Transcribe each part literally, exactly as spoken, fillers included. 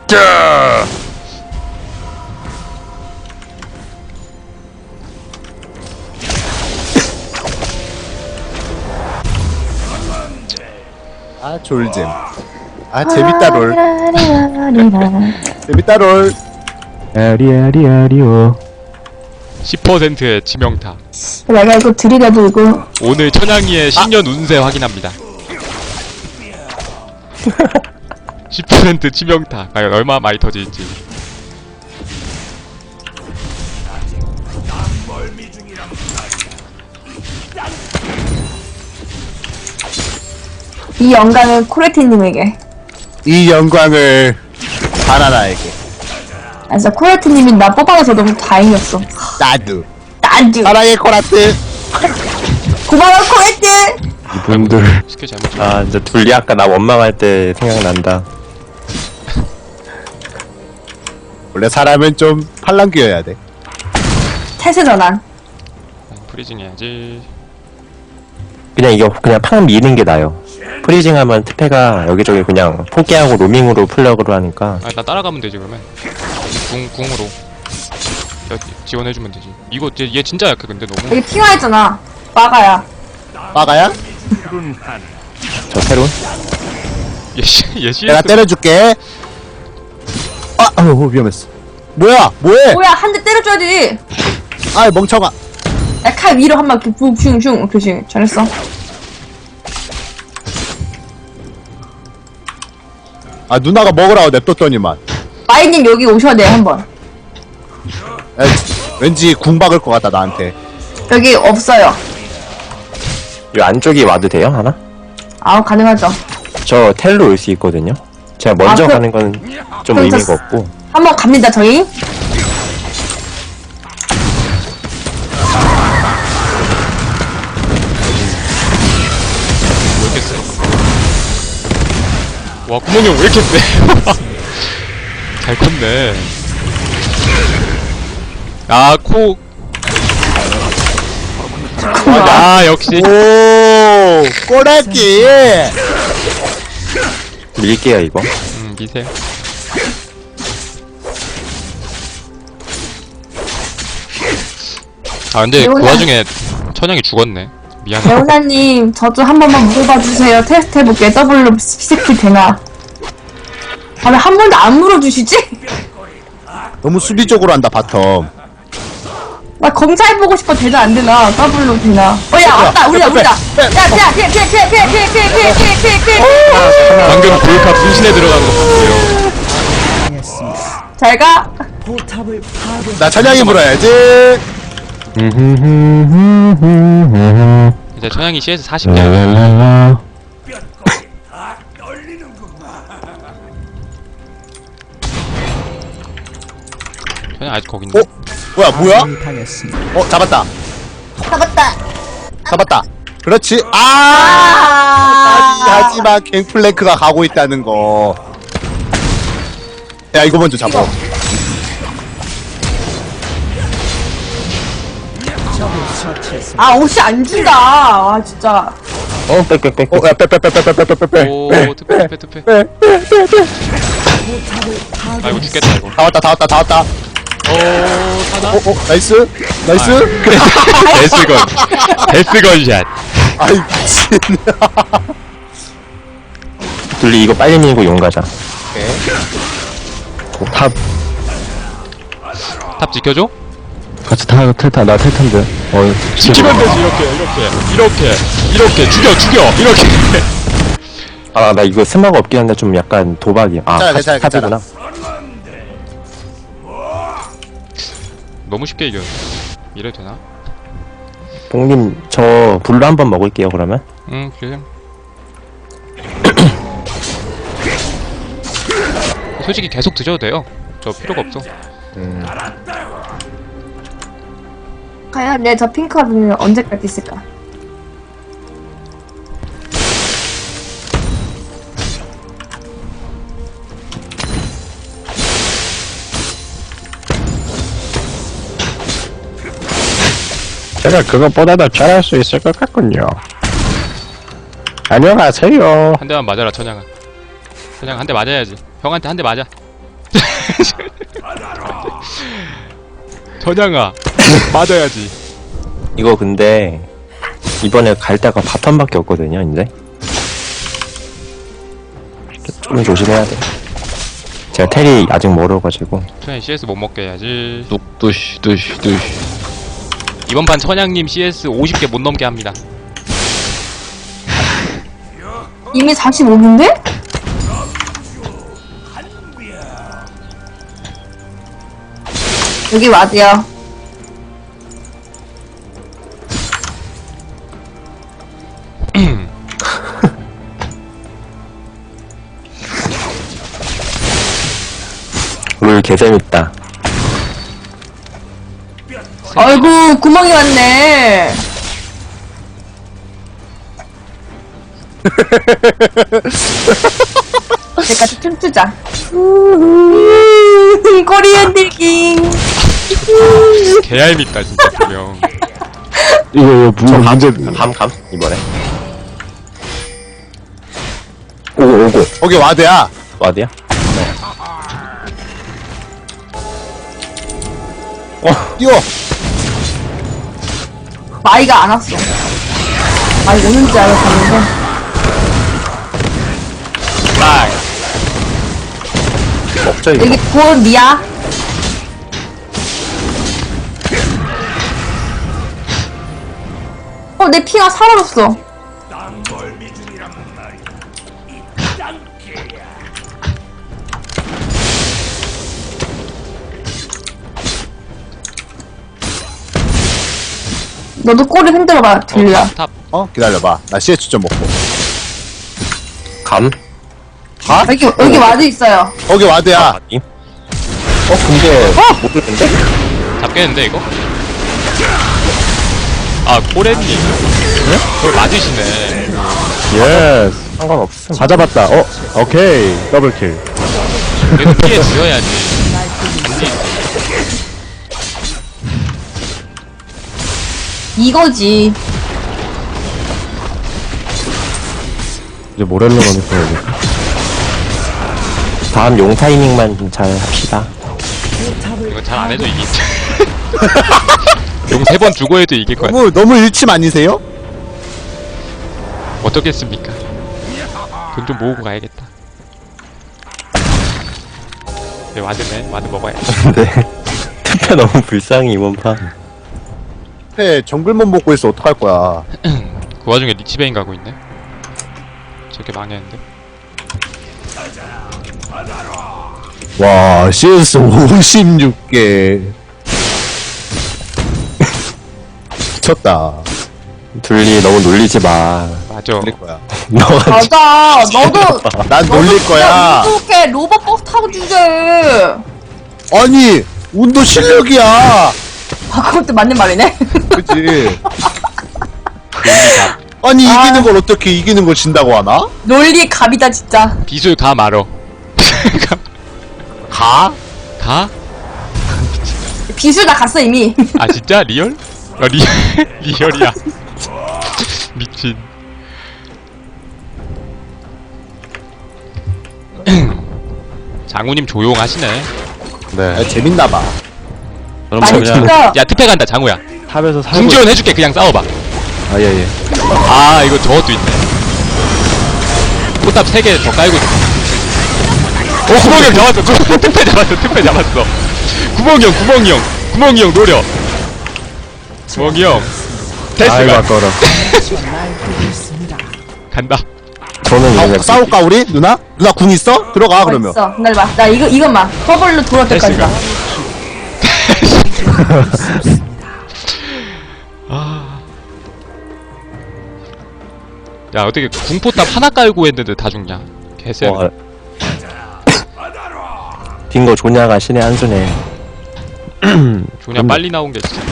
자. 아 졸잼. 아 재밌다 롤. 재밌다 롤. 아리아리아리오. 십 퍼센트의 치명타. 내가 이거 들이라도 이거 오늘 천양이의 신년 운세 확인합니다. 십 퍼센트 치명타. 과연 얼마나 많이 터질지. 이 영광은 코레티님에게. 이 영광을 바나나에게. 아 진짜 코레티님이 나 뽑아서 너무 다행이었어. 나도. 나도. 사랑의 코라트. 고마워 코레티. 이분들. 스킬 잘못 쳐. 아, 진짜 둘리 아까 나 원망할 때 생각난다. 원래 사람은 좀 팔랑귀여야 돼. 태세 전환. 프리징 해야지. 그냥 이거 그냥 팍 미는 게 나아요. 프리징 하면 특패가 여기저기 그냥 포기하고 로밍으로 플러그로 하니까. 아, 나 따라가면 되지 그러면. 궁 궁으로. 야, 지원해주면 되지. 이거 얘, 얘 진짜 약해 근데 너무. 여기 핑화했잖아. 마가야. 빠가야? 저 새로운? 얘씨 얘씨. 내가 때려줄게. 아, 아우 위험했어. 뭐야? 뭐해? 뭐야 한 대 때려줘야지. 아 멍청아. 야 칼 위로 한번 이렇게 붕슝슝 오케이 잘했어. 아 누나가 먹으라고 냅뒀더니만. 마이님 여기 오셔야 돼요 한번. 에, 왠지 궁 박을 것 같다 나한테. 여기 없어요. 이 안쪽이 와도 돼요? 하나? 아 가능하죠. 저 텔로 올 수 있거든요? 제가 먼저 아, 그- 가는 건 좀 그럼 저 의미가 스- 없고. 한번 갑니다 저희. 왜 이렇게 세? 와 구멍이 왜 이렇게 세? 잘 컸네. 아 코. 아 역시. 오 꼬라기. 밀게요, 이거. 음 미세요. 아 근데 그 레오나. 와중에 천양이 죽었네. 미안해. 레오나님 저 좀 한 번만 물어봐 주세요. 테스트 해볼게. 더블로 스킬 되나? 아 왜 한 번도 안 물어주시지? 너무 수비적으로 한다 바텀. 나 검사해보고 싶어. 되나 안 되나? 더블로 되나? 어야 왔다 우리다 우리다. 야 피해 피해 피해 피해 피해 피해 피해 피해 피해 피해 피해. 방금 볼카 분신에 들어간 거 봤어요. 잘 가. 나 찬양이 물어야지. 이제 천양이 씨에스 사십 개. 랄랄랄라. 천양 아직 거긴데. 어? 뭐야 뭐야? 어 잡았다. 잡았다. 잡았다. 그렇지. 아. 하지만 갱플랭크가 가고 있다는 거. 야 이거 먼저 잡아. 아 옷이 안 준다. 아 진짜. 어, 빽빽빽. 어, 야, 빼빼빼빼빼빼빼빼. 오 투패 투패 투패. 아 이거 죽겠다 이거. 다 왔다, 다 왔다, 다 왔다. 오 사나. 어, 어, 나이스, 나이스. 데스건. 데스건샷. 아이 미친. 둘리 이거 빨리 밀고 용 가자. 오케이. 어, 탑. 탑 지켜줘? 같이 타, 탈타, 나 탈탄데. 어, 지키면 되지 이렇게 이렇게 이렇게 이렇게 죽여 죽여 이렇게. 아, 나 이거 스마가 없긴 한데 좀 약간 도박이야. 아, 괜찮아, 괜찮아, 탑- 탑이구나. 너무 쉽게 이겨. 이래도 되나? 봉님, 저 불로 한번 먹을게요, 그러면. 응 그래. 솔직히 계속 드셔도 돼요. 저 필요가 없어. 음. 과연 내 저 핑크는 언제까지 있을까? 제가 그것보다도 잘할 수 있을 것 같군요. 안녕하세요. 한 대만 맞아라 천양아. 천양 한 대 맞아야지. 형한테 한 대 맞아. 전향아 맞아야지. 이거 근데 이번에 갈 데가 바텀밖에 없거든요. 이제 좀 조심해야 돼. 제가 텔이 아직 멀어가지고. 천양 씨에스 못 먹게 해야지. 뚝뚜시 뚜시 뚜시. 이번 판 천양님 씨에스 오십 개 못 넘게 합니다. 이미 사십오 분인데? 여기 와드야. 룰 개재밌다. 아이고 구멍이 왔네. 내까지 춤추자. 꼬리 흔들기. 개얄밉다 진짜 분명. 이거 이거 무 문제. 감, 감, 이번에. 오고, 오고. 거기 와드야. 어디야? 뛰어. 마이가 안 왔어. 마이 오는 줄 알았었는데. 딱. 먹자, 이거. 여기 곧 미야. 어, 내 피가 사라졌어. 너도 꼬리 흔들어봐, 들려. 어, 탑. 어 기다려봐. 나 씨에이치 좀 먹고. 감? 여기, 여기 와드 있어요. 거기 와드야. 아니? 어, 근데, 모르는데? 잡겠는데 이거? 아 꼬레님. 그걸 맞으시네. 예스. 상관없음. 다 잡았다. 어 오케이 더블킬. 얘도 피해 주어야지. 이거지. 이제 모렐로 가니까 여기. 다음 용 타이밍만 좀 잘 합시다. 이거 잘 안 해도 이기. 용 세 번 주고 해도 이길 거야. 너무 너무 일침 아니세요? 어떻겠습니까? 돈 좀 모으고 가야겠다. 네, 와드네. 와드 먹어야지. 근데, 투표 너무 불쌍해, 이번 판. 해 정글만 먹고 있어 어떡할 거야. 그 와중에 리치베인 가고 있네. 저렇게 망했는데. 와 씨에스 오십육 개. 미쳤다. 둘리 너무 놀리지 마. 맞아. 놀릴 거야. 너가 맞아. 너도. 난 놀릴 거야. 이렇게 로봇 버스 타고 주제. 아니 운도 실력이야. 아, 그것도 맞는 말이네. 그치. 아니 이기는 걸 어떻게 이기는 걸 진다고 하나? 논리 갑이다, 진짜. 비술 가 말어. 가? 가? 비술 다 갔어, 이미. 아 진짜 리얼? 아 리 리얼이야. 미친. 장우님 조용하시네. 네. 아, 재밌나봐. 많이 진짜. 야 특패 간다 장우야. 탑에서 살고. 궁지원 해줄게. 그냥 싸워봐. 아예 예. 아 이거 저것도 있네. 포탑 세 개 더 깔고 있어. 오 구멍이 형 잡았어. 구- 특패 잡았어. 특패 잡았어. 구멍이 형 구멍이 형 구멍이 형 노려. 구멍이 형 아이고 데스가 아까워라. 간다. 저는 아, 이제 싸울까 우리? 누나? 누나 궁 있어? 들어가 어, 그러면. 있어. 기다려봐. 나 이거, 이것만. 더블로 돌아올 때까지 가. 아. 야 어떻게 궁포탑 하나 깔고 했는데 다 죽냐? 개쎄. 어, 빙고 조냐가 신의 한 수네. 조냐 빨리 나온 게 진짜.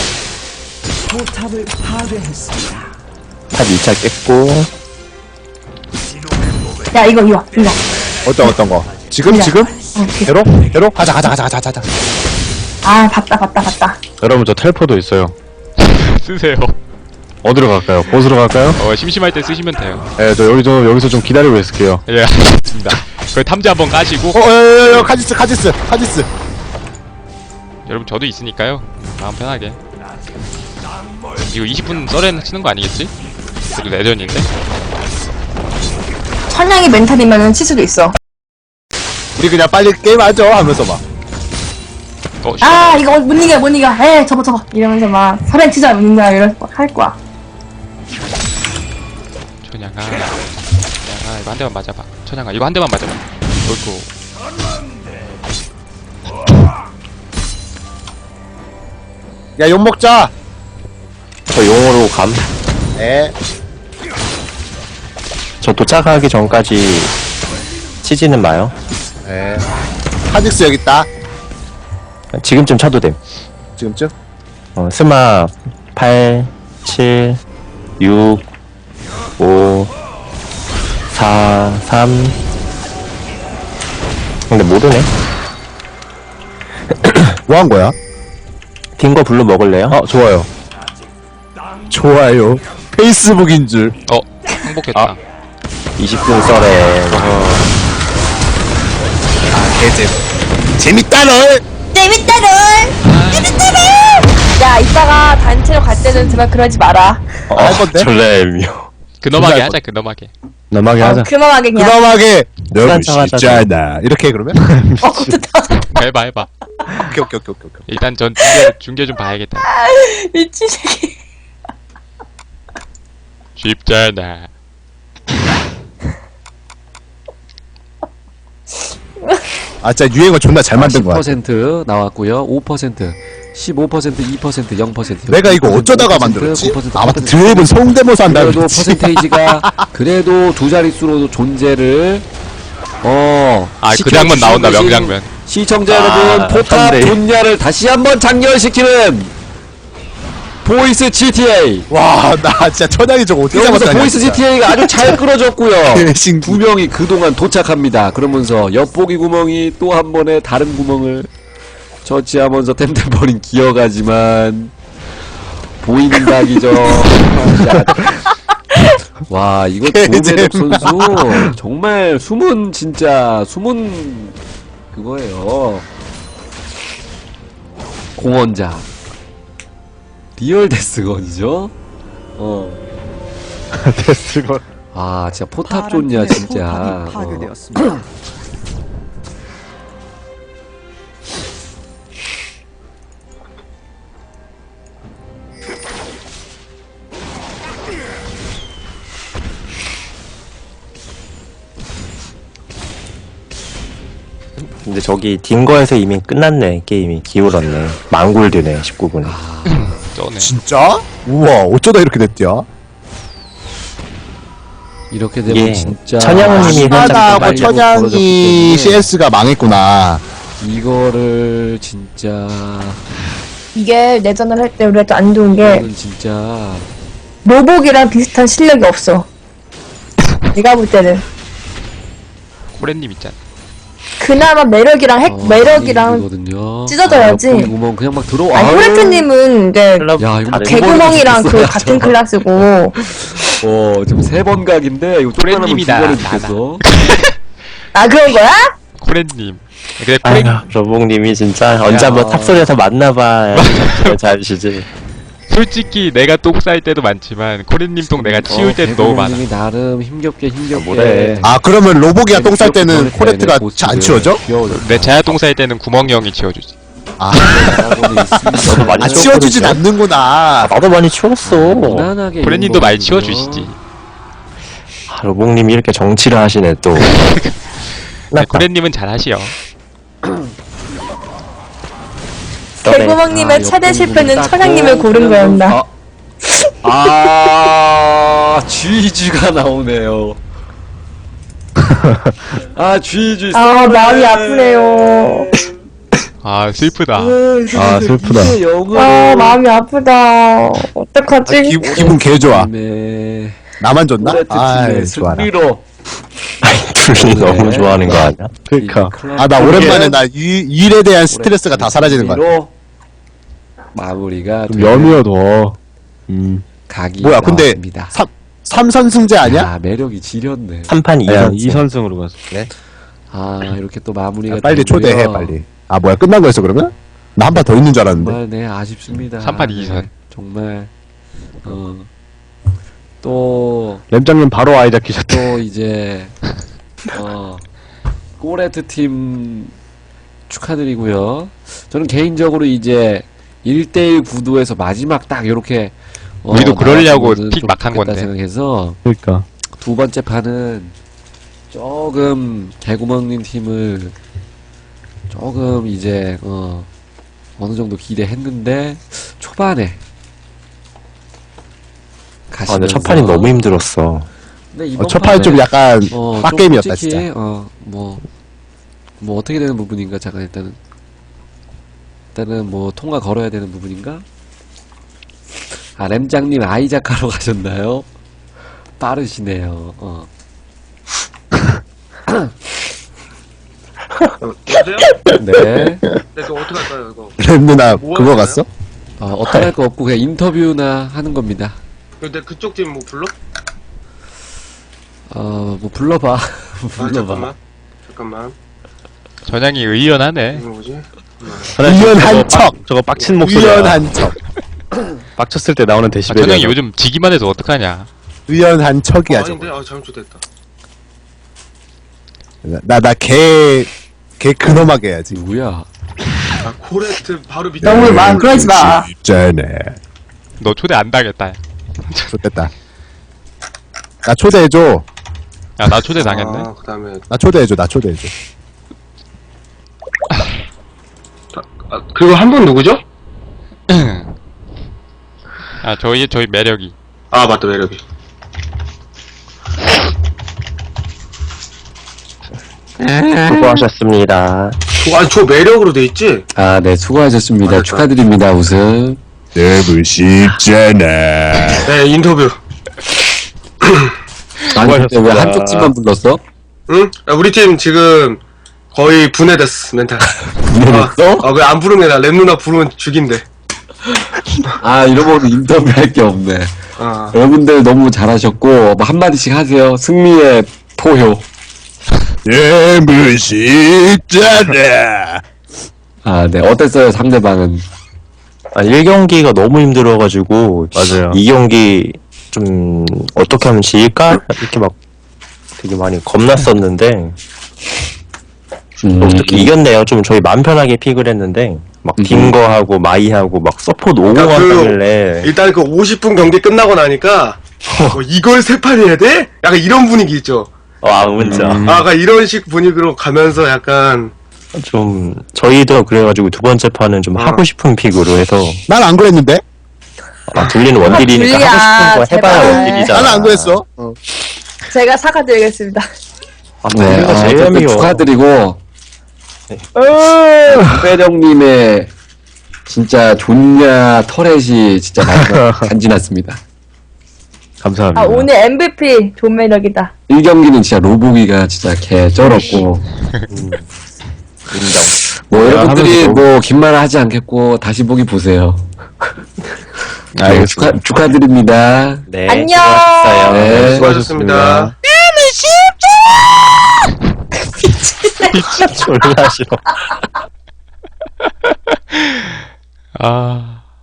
탑 이 차 깼고. 야, 이거, 이거, 이거. 어떤 어떤 거? 지금 야. 지금? 어, 오케이. 괴로? 괴로? 가자 가자 가자 가자 가자. 아, 봤다, 봤다, 봤다. 여러분 저 텔포도 있어요. 쓰세요. 어디로 갈까요? 보스로 갈까요? 어 심심할 때 쓰시면 돼요. 예, 저 여기 저 여기서 좀 기다리고 있을게요. 예 알겠습니다. 그 탐지 한번 까시고. 어, 어, 어, 어, 카지스, 카지스, 카지스. 여러분 저도 있으니까요. 마음 편하게. 이거 이십 분 썰에 치는 거 아니겠지? 그래도 내전인데. 천양이 멘탈이면은 칠 수도 있어. 우리 그냥 빨리 게임하죠 하면서 막. 어, 씨. 아 이거 못 이겨 못 이겨. 에 접어 접어 이러면서 막 설엔 치자 못 이겨 이럴 할 거야. 천양아. 천양아 이거 한 대만 맞아봐. 천양아 이거 한 대만 맞아봐. 어이구. 야, 욕 먹자. 저 용으로 감. 에. 저 도착하기 전까지 치지는 마요. 에. 카직스 여기 있다. 지금쯤 쳐도 됨. 지금쯤? 어, 스마 팔, 칠, 육, 오, 사, 삼. 근데 모르네. 뭐 한 거야? 딩거 블루 먹을래요? 어, 좋아요. 좋아요. 페이스북인 줄. 어 행복했다. 이십 분 썰에. 아, 개잼. 재밌다널! 재밌다를. 재밌다를. 야 이따가 단체로 갈 때는 제발 그러지 마라. 어, 할 건데? 졸래미요. 근엄하게 진짜 하자 근엄하게. 넘어가게 어, 하자. 그만하게 그냥. 그럼하게 너무 한참 쉽잖아. 이렇게 해, 그러면? 어 좋다. 해봐 해봐. 오케이, 오케이, 오케이, 오케이. 오케이. 일단 전 중계, 중계 좀 봐야겠다. 미친 새끼. 쉽잖아. 아, 진짜 유행어 존나 잘 만든 거야. 십 퍼센트 나왔고요. 오 퍼센트, 십오 퍼센트, 이 퍼센트, 영 퍼센트. 내가 이거 어쩌다가 만들었지? 아, 맞다. 드웹은 성대모사 한다고 그래도 그랬지. 퍼센테이지가 그래도 두 자릿수로 존재를 어. 아 그 장면 나온다 시켜주신 명장면. 시청자 아, 여러분, 포탑 선대. 존냐를 다시 한번 장렬시키는 보이스 지티에이. 와, 나 진짜 천양이 저거 어떻게 여기서 잡았다냐. 보이스 진짜. 지티에이가 아주 잘 끌어졌고요. 개신 두 명이 그동안 도착합니다. 그러면서 엿보기 구멍이 또 한 번에 다른 구멍을 처치하면서 템템버린 기어가지만 보이는 각이죠. 와, 이거 조매덕 선수 정말 숨은 진짜 숨은 그거예요. 공원자 리얼 데스건이죠. 어. 데스건. 아, 진짜 포탑 좋냐 진짜. 어. 근데 저기 딩거에서 이미 끝났네. 게임이 기울었네. 망골드네. 십구 분에. 쩌네. 진짜? 우와, 어쩌다 이렇게 됐디야? 이렇게 되면 예. 진짜 천양님이 하다하고 빨리 천양이 벌어졌기 때문에 씨에스가 망했구나. 이거를 진짜 이게 내전을 할 때 우리가 또 안 좋은 게 이거는 진짜 로복이랑 비슷한 실력이 없어. 내가 볼 때는 코렌님 있잖아. 그나마 매력이랑 핵 어, 매력이랑 이거든요. 찢어져야지. 아, 옆구리 구멍 그냥 막 들어와. 아니 호레트님은 이제 야, 이거 다른- 개구멍이랑 그 죽겠어요, 같은 저. 클래스고 어, 지금 세 번 각인데 이거 조금만 하면 두 프렌님이다, 번은 나다. 죽겠어. 아 그런 거야? 코렌님. 근데 아휴, 코렌 러봉님이 진짜 언제 한번 탑소리에서 만나봐. 잘시지. 솔직히 내가 똥 쌀 때도 많지만 코렌님 똥 내가 치울 때도 너무 많아. 개구멍님이 나름 힘겹게 힘겹게. 뭐래. 아, 그러면 로복이가 똥 쌀 때는 힘겹게 코레트가 보스를 잘 안 치워져? 귀여워졌다. 내 자야 똥 쌀 때는 구멍이 형이 치워주지. 아, 하고는 있습니다. 너도 많이 아 치워주진 않는구나. 나도 많이 치웠어. 무난하게 코렌님도 많이 이런 거거든요. 치워주시지. 아, 러봉님이 이렇게 정치를 하시네 또. 네, 코렌님은 잘 하시오. 개구멍님의 아, 최대 옆구리 실패는 닦고 천양님을 고른 그냥 거였나? 아, 아 쥐쥐가 나오네요. 아, 쥐쥐. 아 마음이 아프네요. 아 슬프다. 아, 슬프다. 이게 영어로. 아 마음이 아프다. 어떡하지? 아, 기, 기분 개 좋아. 네. 나만 줬나? 코레트 아, 팀의 좋아라. 승리로. 둘이 네. 너무 좋아하는 거 아니야? 그러니까. 클럽 아, 나 팀의 오랜만에 나 일, 일에 대한 스트레스가 다 사라지는 거야. 승리로 마무리가 좀 되는 염이어 더. 음. 각이 뭐야, 근데 나왔습니다. 삼, 삼선승제 아니야? 야, 매력이 지렸네. 삼 판 이 아야, 선 이 선승으로 갔어. 아 이렇게 또 마무리가 야, 빨리 되고요. 초대해 빨리. 아 뭐야 끝난 거였어 그러면? 나 한 판 더 있는 줄 알았는데. 정말 네 아쉽습니다. 삼 판 네, 이 선. 정말 어또 램장님 바로 아이작 키셨대. 또 이제 어 꼬레트 팀 축하드리고요. 저는 개인적으로 이제 일 대일 구도에서 마지막 딱 요렇게 어, 우리도 그러려고 나왔으면은 픽 좀 막한 좋겠다 건데. 생각해서 그러니까. 두 번째 판은 조금 개구멍님 팀을 조금 이제 어 어느 정도 기대했는데 초반에 아, 가시면서 근데 첫 판이 너무 힘들었어. 근데 이번 어, 첫 판이 좀 판에 약간 어, 좀 빡게임이었다 솔직히, 진짜. 어, 뭐, 뭐 어떻게 되는 부분인가 잠깐 일단은 일단은 뭐 통과 걸어야 되는 부분인가? 아 램장님 아이작하러 가셨나요? 빠르시네요. 어. 여보세요? 네. 네, 그거 어떻게 할까요, 이거? 램 누나 뭐 그거 하나요? 갔어? 어, 어떻게 할 거 없고 그냥 인터뷰나 하는 겁니다. 근데 그쪽 팀 뭐 불러? 어, 뭐 불러봐. 아, 불러봐. 잠깐만. 잠깐만. 전향이 의연하네. 이거 뭐지? 우연한 척. 저거 빡친 목소리. 우연한 척. 빡쳤을 때 나오는 아, 데시벨이. 전향이 요즘 지기만 해서 어떡하냐. 우연한 척이야 아, 저거. 아닌데? 아, 잘못됐다. 나나걔걔 근엄하게 해야지. 누구야? 아, 코레트 바로 밑에. 너무 막 그러지 마. 쟤네. 너 초대 안 당했다. 좋겠다. 나 초대해줘. 야, 나 초대 당했네. 아, 그 다음에. 나 초대해줘. 나 초대해줘. 아, 그리고 한 분 누구죠? 아, 저희, 저희 매력이. 아, 맞다, 매력이. 수고하셨습니다. 저, 아, 저 매력으로 돼 있지? 아, 네, 수고하셨습니다. 맞았다. 축하드립니다, 우승. 너무 쉽잖아. 네, 인터뷰. 아니, 근데 왜 수고하셨습니다. 한쪽 팀만 불렀어? 응? 아, 우리 팀 지금 거의 분해됐어, 멘탈. 분해됐어? 아, 왜 안 부르면 나 램 누나 부르면 죽인대. 아, 이러면 인터뷰 할 게 없네. 아. 여러분들 너무 잘하셨고, 뭐 한마디씩 하세요. 승리의 포효. 너무 쉽잖아. 아, 네. 어땠어요, 상대방은? 아, 일 경기가 너무 힘들어가지고. 맞아요. 이 경기 좀, 어떻게 하면 질까? 이렇게 막 되게 많이 겁났었는데. 음, 어, 특히 이겼네요. 좀 저희 마음 편하게 픽을 했는데. 막 음. 딩거하고 마이하고 막 서포트 오고 그러니까 그- 한다길래. 일단 그 오십 분 경기 끝나고 나니까 뭐 이걸 세 판 해야 돼? 약간 이런 분위기 있죠. 아, 진짜. 아, 약간 이런 식 분위기로 가면서 약간 좀, 저희도 그래가지고 두 번째 판은 좀 어. 하고 싶은 픽으로 해서. 난 안 그랬는데. 아, 둘리는 원딜이니까 둘리야, 하고 싶은 거 해봐야 제발. 원딜이잖아. 나는 안 그랬어. 어. 제가 사과드리겠습니다. 아, 네, 둘리가 아, 제일 어쨌든 미워. 축하드리고, 배령님의 진짜 존냐 터렛이 진짜 마지막 간지났습니다. 감사합니다. 아, 오늘 엠브이피 존 매력이다. 일 경기는 진짜 로보기가 진짜 개 쩔었고, 인정. 뭐 내가 여러분들이 하면서 뭐 긴 말 하지 않겠고 다시 보기 보세요. 네, 알겠습니다. 축하, 축하드립니다. 네. 안녕. 수고하셨어요. 네. 수고하셨습니다. 졸라 싫어. 아.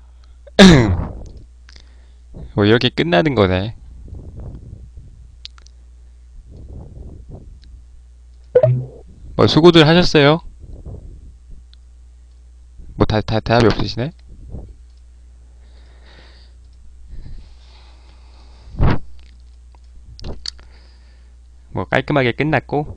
뭐, 이렇게 끝나는 거네. 뭐, 수고들 하셨어요? 뭐, 다, 다, 대답이 없으시네? 뭐, 깔끔하게 끝났고.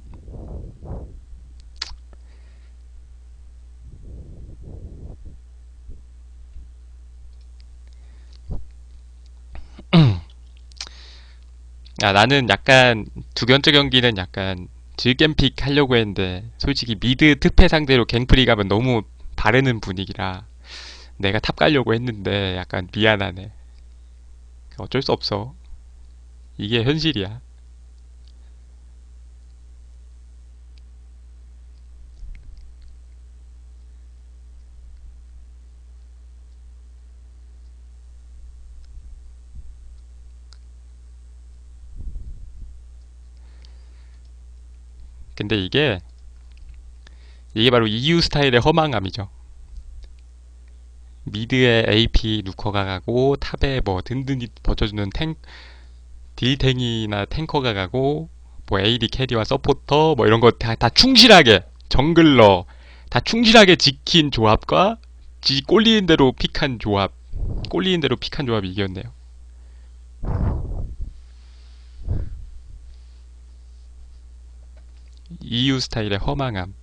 아, 나는 약간 두 번째 경기는 약간 질겜픽 하려고 했는데 솔직히 미드 특패 상대로 갱프리 가면 너무 바르는 분위기라 내가 탑 가려고 했는데 약간 미안하네. 어쩔 수 없어. 이게 현실이야. 근데 이게 이게 바로 이유 스타일의 허망함이죠. 미드에 에이피 누커가 가고 탑에 뭐 든든히 버텨주는 탱 딜탱이나 탱커가 가고 뭐 에이디 캐리와 서포터 뭐 이런 거 다 다 충실하게 정글러 다 충실하게 지킨 조합과 지 꼴리는 대로 픽한 조합 꼴리는 대로 픽한 조합이 이겼네요. 이유 스타일의 허망함.